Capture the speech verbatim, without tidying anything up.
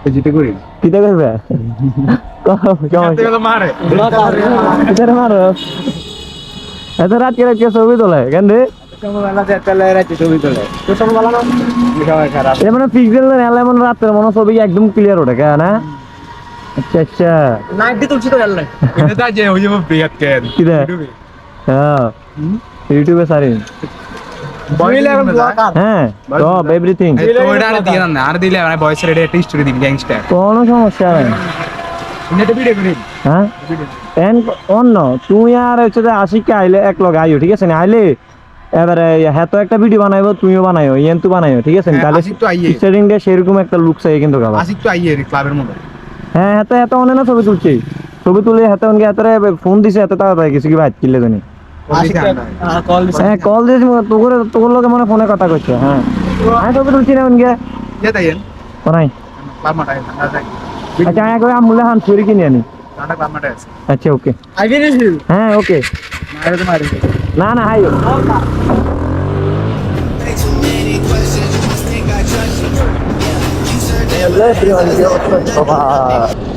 যেটা করি কিটা করবে মারে কিটা মারো এত রাত করে কে ছবি তোলে কেন রে মানে পিক্সেল এমন রাতের মনে ছবি একদম ক্লিয়ার ওঠে কেন না আচ্ছা আচ্ছা নাইনটি তুলছি তো জানলে এটা যে ওই যে বিয়াত কেন কিটা হ্যাঁ ইউটিউবে সারি হ্যাঁ সব এভরিথিং ওইটা আর দিয়ে না আর দিলে আমি ভয়েস রেডি একটা স্টোরি দিবি গ্যাংস্টার কোনো সমস্যা নেই এটা ভিডিও করি হ্যাঁ এন অন্য তুই আর হচ্ছে যে আশিককে আইলে এক লগে আইও ঠিক আছে না আইলে এবারে হ্যাঁ তো একটা ভিডিও বানাইবো তুমিও বানাইও ইয়েন তো বানাইও ঠিক আছে তাহলে আশিক তো আইয়ে স্টার্টিং ডে সেরকম একটা লুক চাই কিন্তু গাবা আশিক তো আইয়ে ক্লাবের মধ্যে হ্যাঁ হাতে এত অনেক না ছবি তুলছি ছবি তুলে হাতে অনেক হাতে ফোন দিছে এত তাড়াতাড়ি কিছু কি ভাত কিনলে জানি কল হ্যাঁ কল দিয়েছি তোর তোর লোকে মনে ফোনে কথা কইছে হ্যাঁ আমি ছবি তুলছি না অনকে কে তাইয়েন কোনাই ক্লাব মাঠে না যাই আচ্ছা আমি একবার আমুলে হান চুরি কিনে আনি নাটক ক্লাব মাঠে আছে আচ্ছা ওকে আই ফিনিশ ইউ হ্যাঁ ওকে মারে তো মারি না না hi Too many questions, you must think I judge you. Yeah, you said that. Everyone,